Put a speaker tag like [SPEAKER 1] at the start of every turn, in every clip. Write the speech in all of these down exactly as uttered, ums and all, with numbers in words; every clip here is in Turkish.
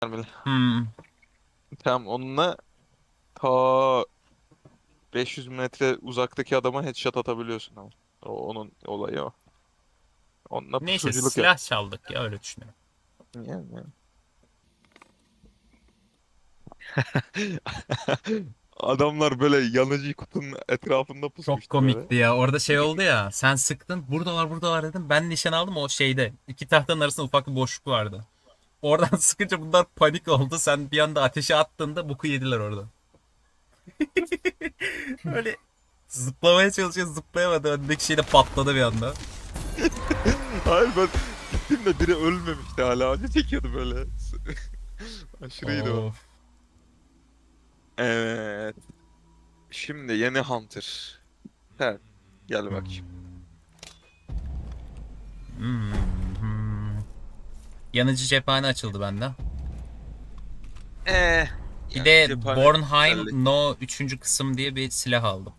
[SPEAKER 1] Mermili.
[SPEAKER 2] Hmm.
[SPEAKER 1] Tamam onunla ta beş yüz metre uzaktaki adama headshot atabiliyorsun ama. O, onun olayı o. Onunla
[SPEAKER 2] Neyse
[SPEAKER 1] pusuculuk yap.
[SPEAKER 2] silah çaldık ya öyle düşünüyorum.
[SPEAKER 1] Yani, yani. Adamlar böyle yanıcı kutunun etrafında
[SPEAKER 2] Çok
[SPEAKER 1] pusmuştu böyle.
[SPEAKER 2] komikti ya. Orada şey oldu ya. Sen sıktın. Buradalar buradalar dedim. Ben nişan aldım o şeyde. İki tahtanın arasında ufak bir boşluk vardı. Oradan sıkınca bunlar panik oldu. Sen bir anda ateşe attığında boku yediler orada. Öyle zıplamaya çalışıyor zıplayamadı. Öndeki şey de patladı bir anda.
[SPEAKER 1] Hayır ben gittim de biri ölmemişti hala. Acı çekiyordu böyle. Aşırıydı o.
[SPEAKER 2] Of.
[SPEAKER 1] Evet. Şimdi yeni Hunter. Sen gel bakayım.
[SPEAKER 2] Hmm. Hmm. Hmm. Yanıcı cephane açıldı bende.
[SPEAKER 1] Eh.
[SPEAKER 2] Bir
[SPEAKER 1] Yani
[SPEAKER 2] de
[SPEAKER 1] cephane
[SPEAKER 2] Bornheim
[SPEAKER 1] güzellik.
[SPEAKER 2] No üçüncü kısım diye bir silah aldım.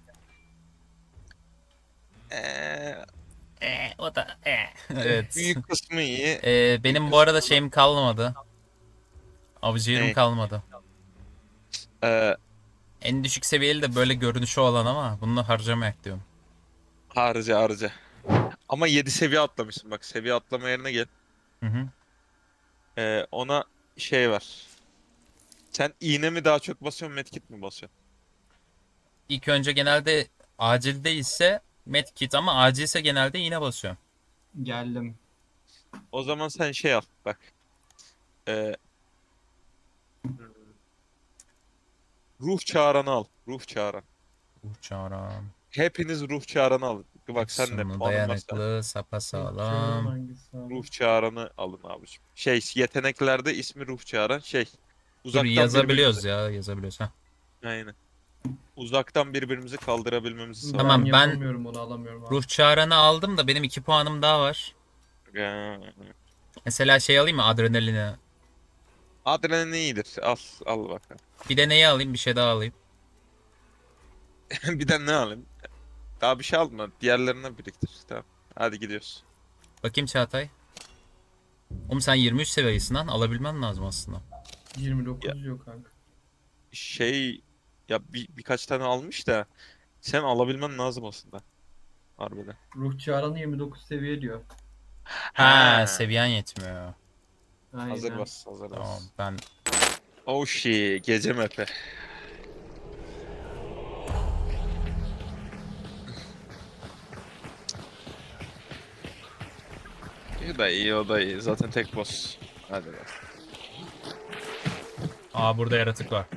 [SPEAKER 1] Eh.
[SPEAKER 2] Ee, o da ee.
[SPEAKER 1] Eh,
[SPEAKER 2] Evet.
[SPEAKER 1] büyük kısmı iyi.
[SPEAKER 2] Ee,
[SPEAKER 1] Büyük
[SPEAKER 2] benim bu arada
[SPEAKER 1] kısmı da
[SPEAKER 2] şeyim kalmadı. Avcı
[SPEAKER 1] ne?
[SPEAKER 2] kalmadı.
[SPEAKER 1] Ee,
[SPEAKER 2] En düşük seviyeli de böyle görünüşü olan ama bunu harcamayak diyorum.
[SPEAKER 1] harca harca. Ama yedi seviye atlamışsın bak. Seviye atlama yerine gel.
[SPEAKER 2] Hı hı.
[SPEAKER 1] Ee, ona şey var. Sen iğne mi daha çok basıyorsun, medkit mi basıyorsun?
[SPEAKER 2] İlk önce genelde acil değilse medkit ama acilse genelde iğne basıyorum.
[SPEAKER 3] Geldim.
[SPEAKER 1] O zaman sen şey al bak. Ee, ruh çağıranı al. Ruh çağıran.
[SPEAKER 2] Uçaram.
[SPEAKER 1] Hepiniz ruh çağıranı alın. Bak sen de
[SPEAKER 2] Sonu
[SPEAKER 1] puanın varsa
[SPEAKER 2] dayanıklı,
[SPEAKER 3] Çağıran
[SPEAKER 2] sapasağlam.
[SPEAKER 3] hangisi abi?
[SPEAKER 1] ruh çağıranı alın abiciğim. Şey yeteneklerde ismi ruh çağıran şey.
[SPEAKER 2] Dur
[SPEAKER 1] Uzaktan birbirimizi.
[SPEAKER 2] yazabiliyoruz ya yazabiliyoruz. Heh.
[SPEAKER 1] Aynen. Uzaktan birbirimizi kaldırabilmemizi sağlıyor.
[SPEAKER 3] Ben
[SPEAKER 2] Tamam ben
[SPEAKER 3] yapamıyorum, onu alamıyorum abi.
[SPEAKER 2] ruh çağıranı aldım da benim iki puanım daha var.
[SPEAKER 1] Ee,
[SPEAKER 2] Mesela şey alayım mı adrenalini?
[SPEAKER 1] Adrenalin iyidir. Al, al bakalım.
[SPEAKER 2] Bir de neyi alayım bir şey daha alayım.
[SPEAKER 1] Bir de ne alayım? Daha bir şey alma. Diğerlerine biriktir. Tamam. Hadi gidiyoruz.
[SPEAKER 2] Bakayım Çağatay. Oğlum sen yirmi üç seviyesin lan alabilmen lazım aslında.
[SPEAKER 1] Ya
[SPEAKER 3] yirmi dokuz yok kanka.
[SPEAKER 1] şey ya bir, birkaç tane almış da sen alabilmen lazım aslında. Harbiden.
[SPEAKER 3] Ruh çağıranı yirmi dokuz seviye diyor.
[SPEAKER 2] Ha
[SPEAKER 1] Ha.
[SPEAKER 2] seviyen yetmiyor.
[SPEAKER 1] Hazır
[SPEAKER 3] Aynen.
[SPEAKER 1] bas, hazır
[SPEAKER 2] Tamam
[SPEAKER 1] bas.
[SPEAKER 2] ben
[SPEAKER 1] Oh shit, gece mepe. İyi da iyi, o da iyi. Zaten tek boss. Hadi bak.
[SPEAKER 2] Aa burada yaratık var.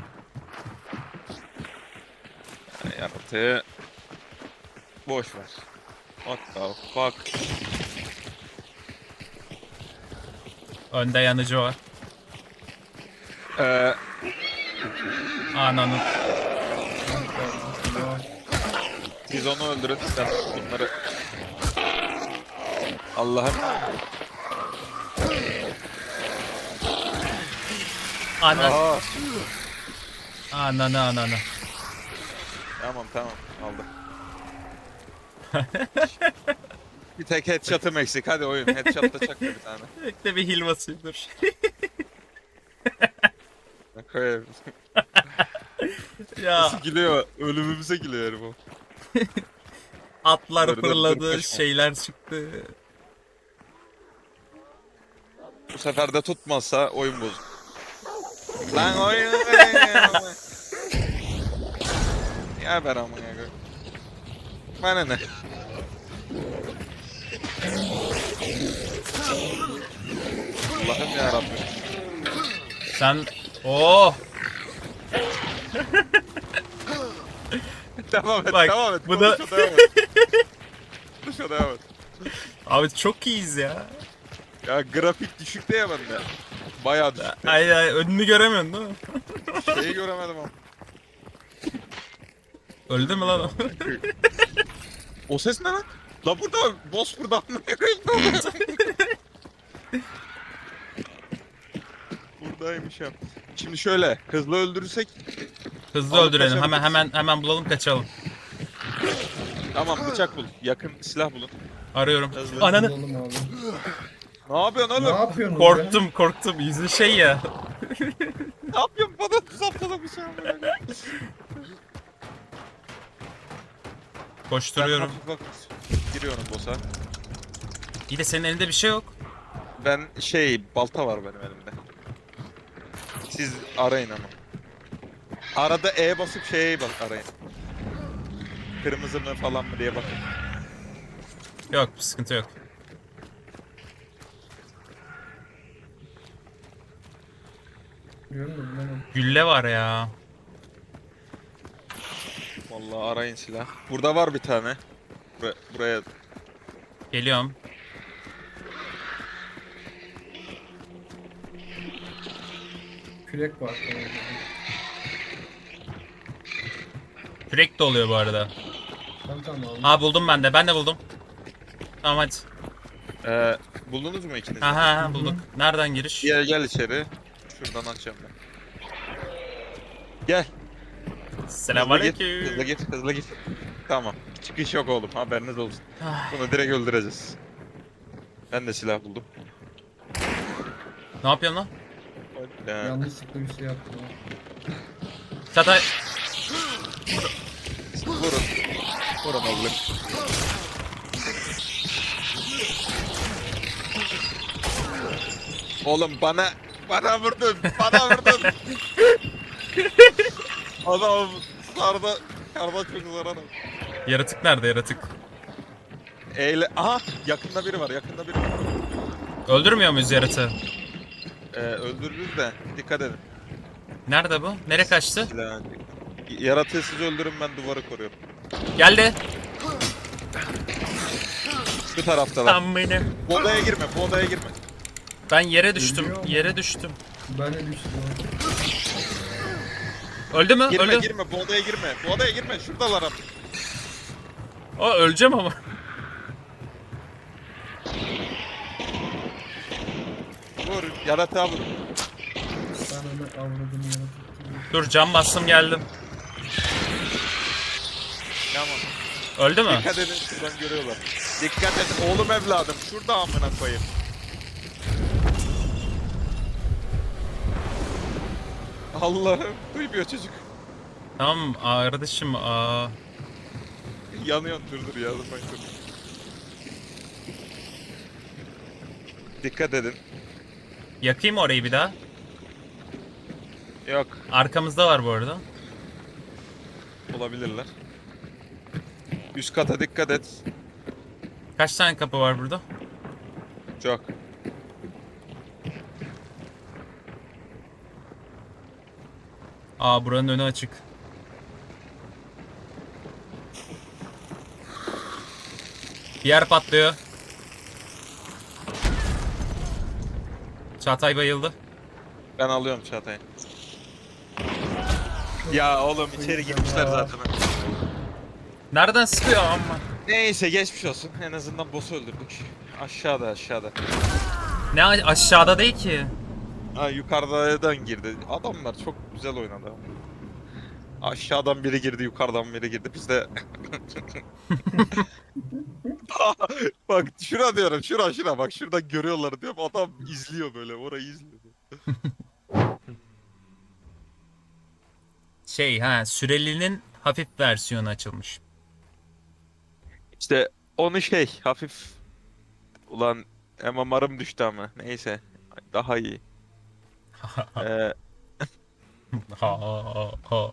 [SPEAKER 1] Yani yaratığı boş ver. What the fuck?
[SPEAKER 2] Önde yanıcı var.
[SPEAKER 1] Ee,
[SPEAKER 2] Ananın.
[SPEAKER 1] siz onu öldürün. Sen bunları... Allah'ım.
[SPEAKER 2] Anan.
[SPEAKER 1] Aa.
[SPEAKER 2] Ananı ananı.
[SPEAKER 1] Tamam tamam aldım. Bir tek headshot'ım eksik. Hadi oyun. Headshot da çak bir tane.
[SPEAKER 2] Bekle bir hil basayım dur.
[SPEAKER 1] Koyayım.
[SPEAKER 2] Ya
[SPEAKER 1] Nasıl gülüyor? Ölümümüze gülüyor herif o.
[SPEAKER 2] atlar
[SPEAKER 1] Dur, dur, dur,
[SPEAKER 2] fırladı,
[SPEAKER 1] kaçma.
[SPEAKER 2] şeyler çıktı.
[SPEAKER 1] Bu sefer de tutmazsa oyun bozuk. Lan oyun. Ya ben amına koyayım. Bana ne? Allah'ım ya Rabbim.
[SPEAKER 2] Sen oh
[SPEAKER 1] Devam et,
[SPEAKER 2] Bak,
[SPEAKER 1] devam et.
[SPEAKER 2] bu da-
[SPEAKER 1] Konuşa devam et. Konuşa devam et.
[SPEAKER 2] abi çok iyiyiz ya.
[SPEAKER 1] Ya grafik düşükte ya bende. Bayağı düşükte.
[SPEAKER 2] Ay ay önünü göremiyorsun değil mi?
[SPEAKER 1] Şeyi göremedim ama.
[SPEAKER 2] Öldü mü lan o?
[SPEAKER 1] O ses ne lan? La burada boss burada amına koyayım. Buradaymış ya. Şimdi şöyle hızlı öldürürsek
[SPEAKER 2] Hızlı
[SPEAKER 1] Alıp
[SPEAKER 2] öldürelim. Hemen
[SPEAKER 1] kaçabiliriz.
[SPEAKER 2] hemen hemen bulalım kaçalım.
[SPEAKER 1] tamam bıçak bul. Yakın silah bulun.
[SPEAKER 2] Arıyorum.
[SPEAKER 1] Hızlı.
[SPEAKER 2] Ananı.
[SPEAKER 3] Bulalım abi.
[SPEAKER 1] Ne yapıyorsun
[SPEAKER 3] Ne
[SPEAKER 1] oğlum?
[SPEAKER 3] yapıyorsunuz ya?
[SPEAKER 2] Korktum korktum. Yüzü şey ya.
[SPEAKER 1] Ne yapıyorsun? Bana saptada bir şey amına koyayım. Ben
[SPEAKER 2] Koşturuyorum.
[SPEAKER 1] hafif hafif giriyorum boss'a.
[SPEAKER 2] İyi de senin elinde bir şey yok.
[SPEAKER 1] Ben şey balta var benim elimde. Siz arayın ama. Arada E basıp şeye bak arayın. Kırmızı mı falan mı diye bakın.
[SPEAKER 2] Yok sıkıntı yok.
[SPEAKER 3] Diyorum da bulamadım.
[SPEAKER 2] Gülle var ya.
[SPEAKER 1] Vallahi arayın silah. Burada var bir tane. Buraya, buraya
[SPEAKER 2] Geliyorum.
[SPEAKER 3] Kürek var.
[SPEAKER 2] Kürek de oluyor bu arada.
[SPEAKER 3] Tamam tamam aldım.
[SPEAKER 2] Ha buldum ben de. Ben de buldum. Tamam hadi.
[SPEAKER 1] Ee, buldunuz mu ikiniz? de?
[SPEAKER 2] Ha ha ha bulduk. Nereden giriş?
[SPEAKER 1] Gel gel içeri. Şuradan açacağım ben. Gel. Hızlı git.
[SPEAKER 2] Selamünaleyküm.
[SPEAKER 1] Hızlı git. Hızlı git. Tamam. Çıkış yok oğlum. Haberiniz olsun.
[SPEAKER 2] Ay,
[SPEAKER 1] Bunu direkt öldüreceğiz. Ben de silah buldum.
[SPEAKER 2] ne yapıyorsun lan?
[SPEAKER 1] Ee,
[SPEAKER 3] Yanlışlıkla bir şey yaptım.
[SPEAKER 2] Çatay.
[SPEAKER 1] vurun. Vurun oğlum. Oğlum bana bana vurdun. Bana vurdun. Adam sarda karda çok zarar.
[SPEAKER 2] Yaratık nerede yaratık?
[SPEAKER 1] Eyle. Aha yakında biri var. Yakında biri var.
[SPEAKER 2] Öldürmüyor muyuz yaratığı?
[SPEAKER 1] Ee, öldürürüz de dikkat edin.
[SPEAKER 2] Nerede bu? Nereye kaçtı?
[SPEAKER 1] Silah. Yaratığı siz öldürün ben duvarı koruyorum.
[SPEAKER 2] Geldi.
[SPEAKER 1] Şu taraftalar.
[SPEAKER 2] Tam beni.
[SPEAKER 1] Bu odaya girme. Bu odaya girme.
[SPEAKER 2] Ben yere düştüm.
[SPEAKER 3] Ölüyor mu?
[SPEAKER 2] Yere düştüm.
[SPEAKER 3] Ben de düştüm.
[SPEAKER 2] Öldü mü?
[SPEAKER 1] Girme
[SPEAKER 2] Öldü.
[SPEAKER 1] girme. Bu odaya girme. Bu odaya girme. Şuradalar abi.
[SPEAKER 2] O öleceğim ama.
[SPEAKER 1] Vur. Yaratığa vur.
[SPEAKER 3] Ben onu avradım yaratık.
[SPEAKER 2] Dur cam bastım geldim.
[SPEAKER 1] Tamam.
[SPEAKER 2] Öldü mü?
[SPEAKER 1] Dikkat edin. Şuradan görüyorlar. Dikkat et. Oğlum evladım. Şurada amına koyayım. Allah'ım. Duymuyor çocuk.
[SPEAKER 2] Tamam kardeşim. Aa.
[SPEAKER 1] Yanıyorsun. Dur dur. Yardım bak dur. Dikkat edin.
[SPEAKER 2] Yakayım orayı bir daha.
[SPEAKER 1] Yok.
[SPEAKER 2] Arkamızda var bu arada.
[SPEAKER 1] Olabilirler. Üst kata dikkat et.
[SPEAKER 2] Kaç tane kapı var burada?
[SPEAKER 1] Çok.
[SPEAKER 2] Aa buranın önü açık. Bir yer patlıyor. Çağatay bayıldı.
[SPEAKER 1] Ben alıyorum Çağatay'ı. Ya oğlum içeri girmişler zaten.
[SPEAKER 2] Nereden sıkıyor amma?
[SPEAKER 1] Neyse geçmiş olsun. En azından boss'u öldürdük. Aşağıda aşağıda.
[SPEAKER 2] Ne a- aşağıda değil ki.
[SPEAKER 1] Ha yukarıdan girdi. Adamlar çok güzel oynadı. Aşağıdan biri girdi, yukarıdan biri girdi. Biz de bak şura diyorum, şura şura bak şuradan görüyorlar diyorum. Adam izliyor böyle, orayı izliyor.
[SPEAKER 2] Şey ha sürelinin hafif versiyonu açılmış.
[SPEAKER 1] İşte onu şey hafif ulan M M R'ım düştü ama neyse daha iyi. Ee,
[SPEAKER 2] Ha, ha, ha.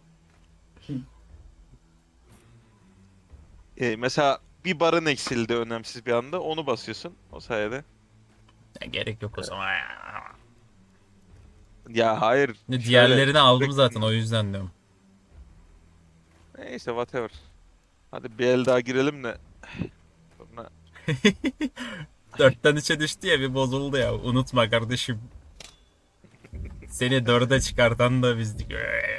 [SPEAKER 1] e, mesela bir barın eksildi önemsiz bir anda onu basıyorsun o sayede.
[SPEAKER 2] Ya, gerek yok o zaman.
[SPEAKER 1] Ya hayır. şöyle-
[SPEAKER 2] Diğerlerini aldım zaten o yüzden diyorum.
[SPEAKER 1] Neyse whatever. Hadi bir el daha girelim de. Sonra
[SPEAKER 2] Dörtten üçe düştü ya bir bozuldu ya. Unutma kardeşim. Seni dörde çıkartan da bizdik.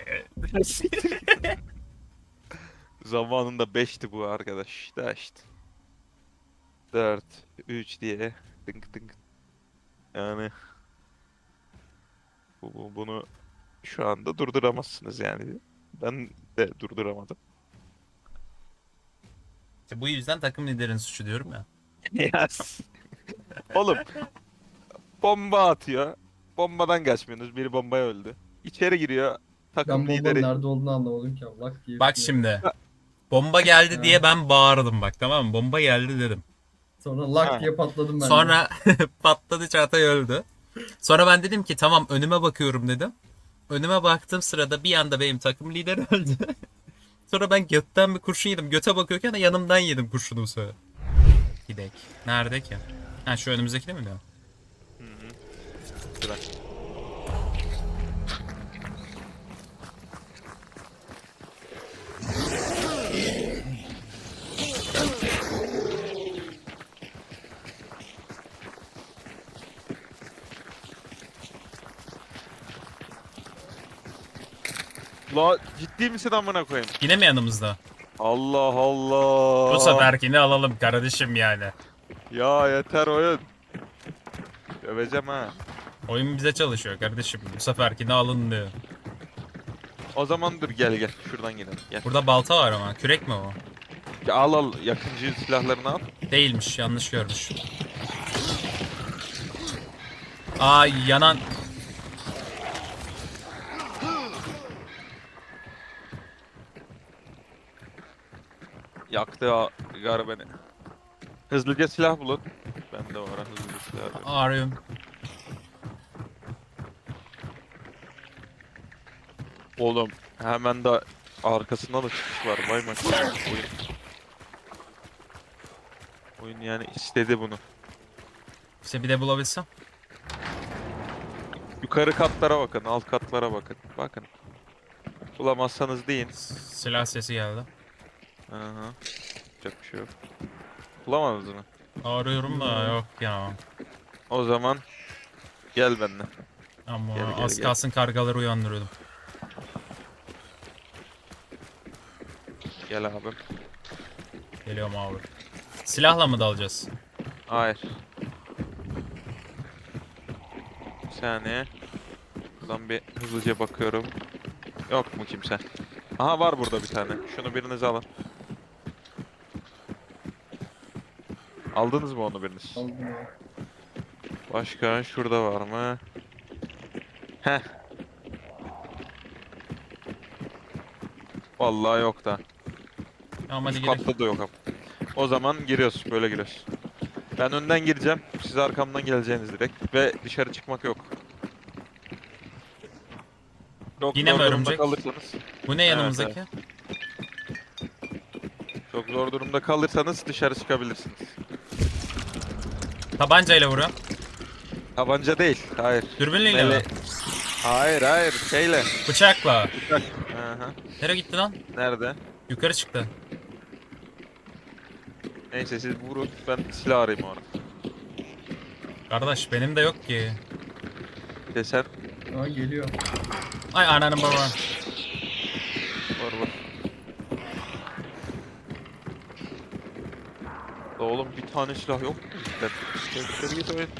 [SPEAKER 1] zamanında beşti bu arkadaş. Da işte. dört, üç diye. Dınk dınk. Yani bu, bu- bunu şu anda durduramazsınız yani. Ben de durduramadım.
[SPEAKER 2] İşte bu yüzden takım liderin suçu diyorum ya.
[SPEAKER 1] Yes. Oğlum Bomba atıyor. Bombadan kaçmıyorsunuz. Biri bombaya öldü. İçeri giriyor. Takım
[SPEAKER 3] Ben bombanın
[SPEAKER 1] lideri.
[SPEAKER 3] nerede olduğunu anlamadım ki. Allah diye.
[SPEAKER 2] Bak
[SPEAKER 3] üstüne.
[SPEAKER 2] şimdi. Bomba geldi
[SPEAKER 3] Ha.
[SPEAKER 2] diye ben bağırdım bak, tamam mı? Bomba geldi dedim.
[SPEAKER 3] Sonra lak
[SPEAKER 1] Ha.
[SPEAKER 3] diye patladım ben de.
[SPEAKER 2] Sonra patladı, Çağatay öldü. Sonra ben dedim ki tamam, önüme bakıyorum dedim. Önüme baktığım sırada bir anda benim takım lideri öldü. Sonra ben götten bir kurşun yedim. Göte bakıyorken de yanımdan yedim kurşunu bu sefer. Gidek. Nerede ki? Ha, şu önümüzdeki değil mi diyor?
[SPEAKER 1] Bırak. La ciddi misin amına koyayım?
[SPEAKER 2] Yine mi yanımızda?
[SPEAKER 1] Allah Allah.
[SPEAKER 2] Bu seferkini alalım kardeşim yani.
[SPEAKER 1] Ya yeter oyun. Döveceğim ha.
[SPEAKER 2] Oyun bize çalışıyor kardeşim. Bu seferkini alın diyor.
[SPEAKER 1] O zaman dur gel gel. Şuradan gidelim. Gel.
[SPEAKER 2] Burada balta var ama. Kürek mi o?
[SPEAKER 1] Ya al al yakıncı silahlarını al.
[SPEAKER 2] Değilmiş. Yanlış görmüş. Aa, yanan.
[SPEAKER 1] Yaktı ha- gar beni. Hızlıca silah bulun. Bende var ha, hızlıca silah.
[SPEAKER 2] Arıyorum.
[SPEAKER 1] Oğlum hemen de arkasında da çıkış var. Vay maşallah. Oyun. Oyun yani istedi bunu.
[SPEAKER 2] İşte bir de bulabilsem.
[SPEAKER 1] Yukarı katlara bakın, alt katlara bakın. Bakın. Bulamazsanız deyin.
[SPEAKER 2] Silah sesi geldi.
[SPEAKER 1] Aha. Yapacak bir şey yok. Bulamadınız mı?
[SPEAKER 2] Arıyorum da yok ya.
[SPEAKER 1] O zaman gel benimle.
[SPEAKER 2] Ama
[SPEAKER 1] Gel, gel,
[SPEAKER 2] az
[SPEAKER 1] gel.
[SPEAKER 2] kalsın kargaları uyandırıyordum.
[SPEAKER 1] Gel abim.
[SPEAKER 2] Geliyorum abi. Silahla mı dalacağız?
[SPEAKER 1] Hayır. Bir saniye. Buradan bir hızlıca bakıyorum. Yok mu kimse? Aha var burada bir tane. Şunu biriniz alın. Aldınız mı onu biriniz?
[SPEAKER 3] Aldım ya.
[SPEAKER 1] Başka şurada var mı? Heh. Vallahi yok da.
[SPEAKER 2] Tamam, hadi
[SPEAKER 1] Üst
[SPEAKER 2] gidelim.
[SPEAKER 1] katta da yok ama. O zaman giriyoruz. Böyle giriyoruz. Ben önden gireceğim. Siz arkamdan geleceğiniz direkt. Ve dışarı çıkmak yok. Çok
[SPEAKER 2] Yine
[SPEAKER 1] zor
[SPEAKER 2] mi
[SPEAKER 1] durumda
[SPEAKER 2] örümcek?
[SPEAKER 1] kalırsanız.
[SPEAKER 2] Bu ne
[SPEAKER 1] Evet,
[SPEAKER 2] yanımızdaki?
[SPEAKER 1] Çok zor durumda kalırsanız dışarı çıkabilirsiniz.
[SPEAKER 2] Tabancayla vuruyorum.
[SPEAKER 1] Tabanca değil. Hayır.
[SPEAKER 2] Dürbünle mi?
[SPEAKER 1] Mele- Hayır hayır. Şeyle.
[SPEAKER 2] Bıçakla.
[SPEAKER 1] Bıçak. Aha.
[SPEAKER 2] Nereye gitti lan?
[SPEAKER 1] Nerede?
[SPEAKER 2] Yukarı çıktı.
[SPEAKER 1] Neyse siz vurun. Ben silah arayayım orada.
[SPEAKER 2] Kardeş benim de yok ki.
[SPEAKER 1] De sen
[SPEAKER 3] Aa geliyor.
[SPEAKER 2] Ay ananın baba.
[SPEAKER 1] var var. Da oğlum bir tane silah yok mu bizden? Gel içeri git oyun.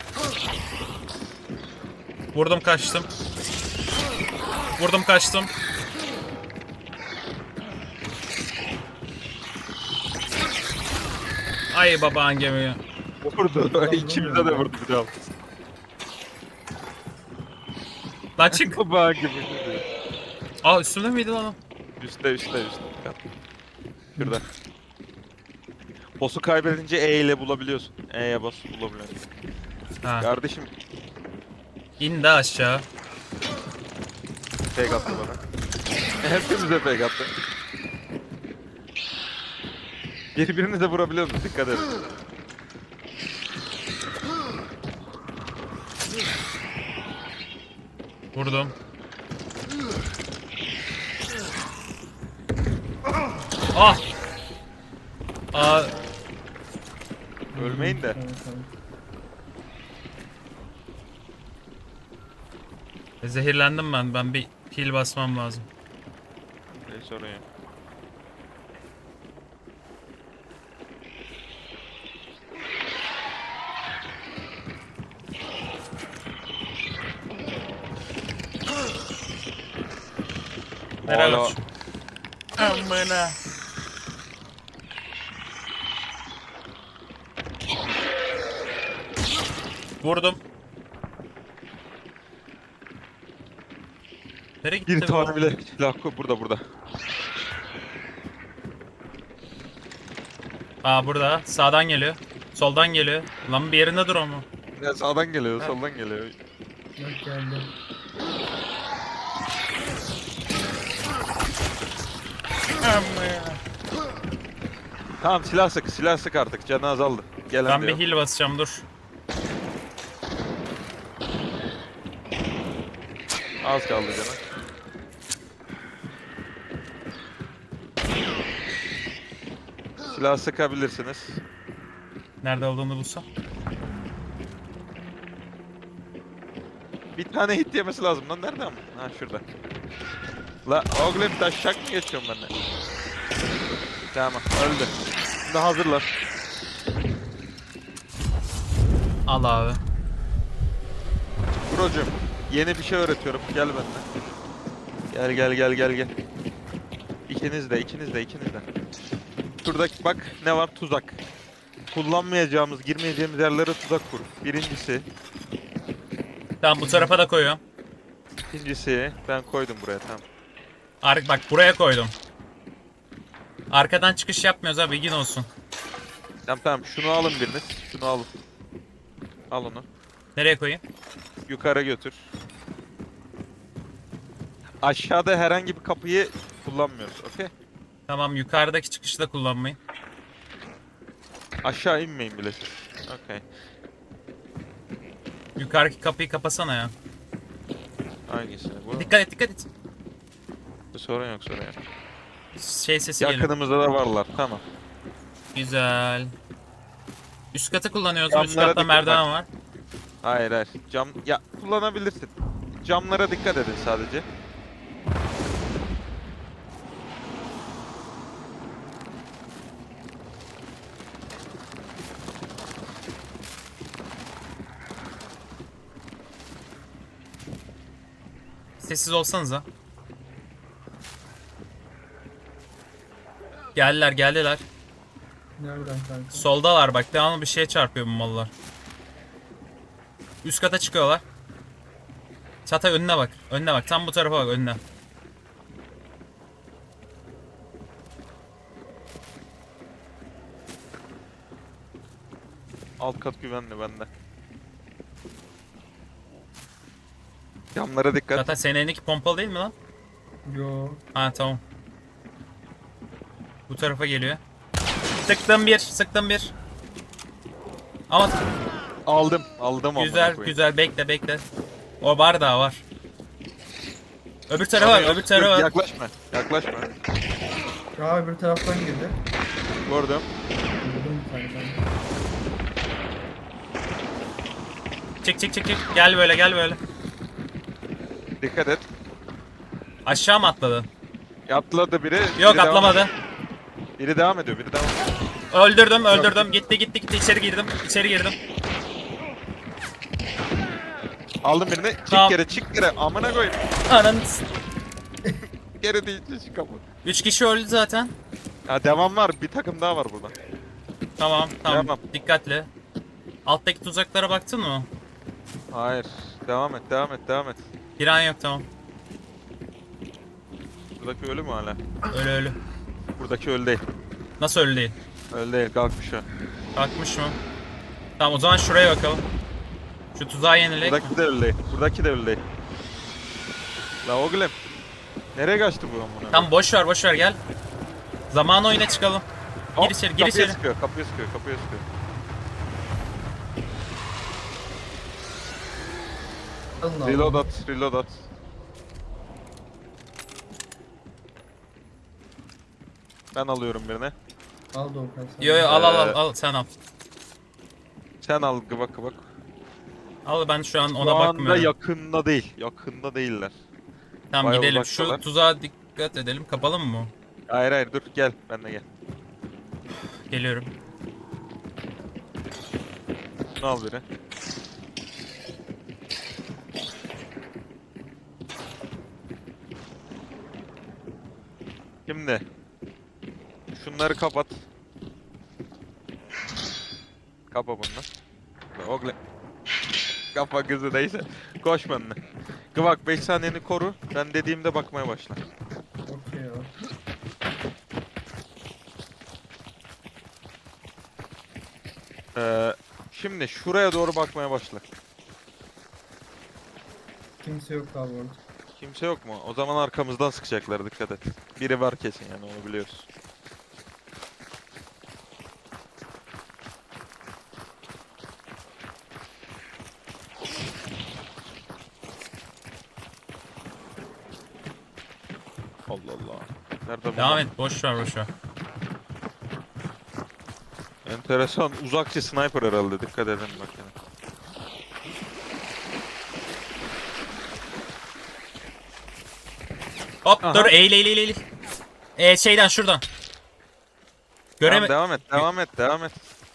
[SPEAKER 2] Vurdum kaçtım. Vurdum kaçtım. Ay baban gemiyi.
[SPEAKER 1] Vurdu. İkimize de vurdu bir daha.
[SPEAKER 2] Lan çık.
[SPEAKER 1] Baba gibi.
[SPEAKER 2] Aa, üstümde miydi lan o?
[SPEAKER 1] Üstte üstte üstte. Şurada. Boss'u kaybedince E ile bulabiliyorsun. E'ye bas bulabiliyorsun.
[SPEAKER 2] Ha.
[SPEAKER 1] Kardeşim
[SPEAKER 2] İn de aşağı.
[SPEAKER 1] fake attı bana. Hepimize fake attı. Birbirinize vurabiliyorsunuz, dikkat edin.
[SPEAKER 2] Vurdum. Ah! Aa,
[SPEAKER 1] Ölmeyin de.
[SPEAKER 3] Tamam, tamam.
[SPEAKER 2] zehirlendim ben. Ben bir pil basmam lazım.
[SPEAKER 1] Ne sorun yok.
[SPEAKER 2] Nereye
[SPEAKER 1] Hala-
[SPEAKER 2] kaç? Amına. Vurdum. Nereye gitti
[SPEAKER 1] Bir
[SPEAKER 2] bu?
[SPEAKER 1] tane bile silah koy. Burada burada.
[SPEAKER 2] Aa burada. Sağdan geliyor. Soldan geliyor. Lan bir yerinde dur ama.
[SPEAKER 1] Ya sağdan geliyor,
[SPEAKER 2] Ha.
[SPEAKER 1] soldan geliyor.
[SPEAKER 3] Bak geldi.
[SPEAKER 1] Tamam silah sık, silah sık artık. Canı azaldı. Gelen
[SPEAKER 2] Ben
[SPEAKER 1] de
[SPEAKER 2] bir
[SPEAKER 1] yok.
[SPEAKER 2] heal basacağım dur.
[SPEAKER 1] Az kaldı canı. Silah sıkabilirsiniz.
[SPEAKER 2] Nerede olduğunu bulsam.
[SPEAKER 1] Bir tane hit yemesi lazım lan. Nerede ama? Ha şurada. La oğlum taşak mı geçiyorum ben de? Tamam öldü. Şimdi hazırlar.
[SPEAKER 2] Al abi.
[SPEAKER 1] Brocum yeni bir şey öğretiyorum. Gel benimle. Gel gel gel gel gel. İkiniz de ikiniz de ikiniz de. Şurada bak ne var, tuzak. Kullanmayacağımız, girmeyeceğimiz yerlere tuzak kur. Birincisi.
[SPEAKER 2] Tamam bu tarafa da koyuyorum.
[SPEAKER 1] İkincisi ben koydum buraya, tamam.
[SPEAKER 2] Ar bak buraya koydum. Arkadan çıkış yapmıyoruz abi, bilgin olsun.
[SPEAKER 1] Tamam tamam şunu alın biriniz. Şunu alın. Al onu.
[SPEAKER 2] Nereye koyayım?
[SPEAKER 1] Yukarı götür. Aşağıda herhangi bir kapıyı kullanmıyoruz, okey?
[SPEAKER 2] Tamam yukarıdaki çıkışı da kullanmayın.
[SPEAKER 1] Aşağı inmeyin bile siz. Okey.
[SPEAKER 2] Yukarıdaki kapıyı kapasana ya.
[SPEAKER 1] Hangisi? Bu.
[SPEAKER 2] Dikkat et dikkat et.
[SPEAKER 1] Sorun yok, sorun yok.
[SPEAKER 2] Şey sesi geliyor.
[SPEAKER 1] Yakınımızda da varlar, tamam.
[SPEAKER 2] Güzel. Üst katı kullanıyoruz. Üst
[SPEAKER 1] Camlara
[SPEAKER 2] katta
[SPEAKER 1] dikkat
[SPEAKER 2] merdiven
[SPEAKER 1] bak.
[SPEAKER 2] var.
[SPEAKER 1] Hayır hayır. Cam ya kullanabilirsin. Camlara dikkat edin sadece.
[SPEAKER 2] Sessiz olsanıza. Geldiler geldiler.
[SPEAKER 3] Nereden kanka?
[SPEAKER 2] Soldalar bak, devamlı bir şeye çarpıyor bu mallar. Üst kata çıkıyorlar. Çatay önüne bak. Önüne bak. Tam bu tarafa bak, önüne.
[SPEAKER 1] Alt kat güvenli bende. Camlara dikkat.
[SPEAKER 2] Çatay senin elindeki pompalı değil mi lan?
[SPEAKER 3] Yo.
[SPEAKER 2] Ha tamam. Bu tarafa geliyor. Sıktım bir. Sıktım bir. Ama
[SPEAKER 1] Aldım. Aldım amına
[SPEAKER 2] güzel
[SPEAKER 1] koyayım.
[SPEAKER 2] güzel, bekle bekle. O var daha var. Öbür tarafa bak, öbür
[SPEAKER 1] Dur,
[SPEAKER 2] tarafa bak.
[SPEAKER 1] yaklaşma. Yaklaşma.
[SPEAKER 3] Ya öbür taraftan girdi.
[SPEAKER 1] Gördüm.
[SPEAKER 3] Vurdum bir tane kanka.
[SPEAKER 2] Çık çık çık çık. Gel böyle gel böyle.
[SPEAKER 1] Dikkat et.
[SPEAKER 2] Aşağı mı atladı?
[SPEAKER 1] Atladı biri.
[SPEAKER 2] Yok
[SPEAKER 1] biri devam
[SPEAKER 2] atlamadı.
[SPEAKER 1] ediyor. Biri devam ediyor. Biri devam ediyor.
[SPEAKER 2] Öldürdüm öldürdüm. Gitti gitti gitti. İçeri girdim. İçeri girdim.
[SPEAKER 1] Aldım birini. Çık
[SPEAKER 2] Tamam.
[SPEAKER 1] geri, çık geri. Amına koyayım.
[SPEAKER 2] Ananı.
[SPEAKER 1] Geri değil, çık kapı.
[SPEAKER 2] Üç kişi öldü zaten.
[SPEAKER 1] Ha devam var. Bir takım daha var burada.
[SPEAKER 2] Tamam tamam.
[SPEAKER 1] Tamam.
[SPEAKER 2] Dikkatli. Alttaki tuzaklara baktın mı?
[SPEAKER 1] Hayır. Devam et, devam et, devam et.
[SPEAKER 2] Bir an yok tamam.
[SPEAKER 1] Buradaki ölü mü hala?
[SPEAKER 2] Ölü ölü.
[SPEAKER 1] Buradaki ölü değil.
[SPEAKER 2] Nasıl ölü değil?
[SPEAKER 1] Ölü değil, kalkmış o.
[SPEAKER 2] Kalkmış mı? Tamam o zaman şuraya bakalım. Şu tuzağı yenilek mi?
[SPEAKER 1] Buradaki de ölü değil. Buradaki de ölü değil. La oğlum. Nereye kaçtı bu amına?
[SPEAKER 2] Tamam boş ver boş ver gel. Zaman oyuna çıkalım.
[SPEAKER 1] Hop,
[SPEAKER 2] Gir içeri gir
[SPEAKER 1] kapıya
[SPEAKER 2] içeri.
[SPEAKER 1] Sıkıyor, kapıya sıkıyor, kapıya sıkıyor.
[SPEAKER 3] Alın abi.
[SPEAKER 1] Reload at, reload at. Ben alıyorum birini.
[SPEAKER 3] Al Doğukan sen.
[SPEAKER 2] Yo yo al al al
[SPEAKER 1] Ee,
[SPEAKER 2] al sen al.
[SPEAKER 1] Sen al gıbak gıbak.
[SPEAKER 2] Al ben şu an
[SPEAKER 1] Şu
[SPEAKER 2] ona
[SPEAKER 1] anda
[SPEAKER 2] bakmıyorum.
[SPEAKER 1] yakında değil. Yakında değiller.
[SPEAKER 2] Tamam
[SPEAKER 1] bayağı
[SPEAKER 2] gidelim.
[SPEAKER 1] uzaktalar.
[SPEAKER 2] Şu tuzağa dikkat edelim. Kapalı mı bu?
[SPEAKER 1] Hayır hayır dur gel. Benle gel.
[SPEAKER 2] Geliyorum.
[SPEAKER 1] Şunu al biri. Şimdi. Şunları kapat. Kapa bunu. Oğlum. Kapa kızı neyse. Koş benimle. Gıvak beş saniyeni koru. Ben dediğimde bakmaya başla.
[SPEAKER 3] Okey ya.
[SPEAKER 1] Ee, şimdi şuraya doğru bakmaya başla.
[SPEAKER 3] Kimse yok abi orada.
[SPEAKER 1] Kimse yok mu? O zaman arkamızdan sıkacaklar, dikkat et. Biri var kesin yani, onu biliyoruz. Allah Allah. Nerede bu?
[SPEAKER 2] Devam et. Boş ver boş ver.
[SPEAKER 1] Enteresan. Uzakçı sniper herhalde. Dikkat edin bak yani.
[SPEAKER 2] Hop
[SPEAKER 1] Aha.
[SPEAKER 2] dur eğil eğil eğil eğil. Ee, şeyden şuradan. Göreme...
[SPEAKER 1] Tamam, devam et. Devam et. Devam et.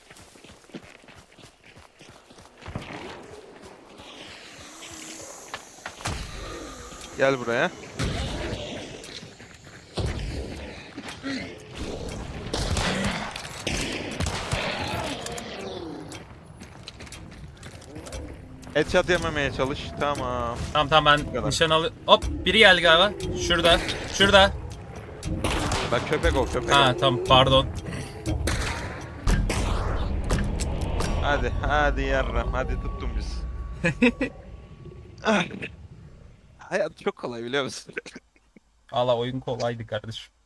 [SPEAKER 1] Gel buraya. Headshot yememeye çalış. Tamam.
[SPEAKER 2] Tamam tamam ben
[SPEAKER 1] kadar.
[SPEAKER 2] nişan alı... Hop biri geldi galiba. Şurada. Şurada.
[SPEAKER 1] Bak köpek ol, köpek
[SPEAKER 2] Ha
[SPEAKER 1] ol.
[SPEAKER 2] tamam pardon.
[SPEAKER 1] Hadi, hadi yarram. Hadi tuttun biz. Ah. Hayat çok kolay biliyor musun?
[SPEAKER 2] Valla oyun kolaydı kardeşim.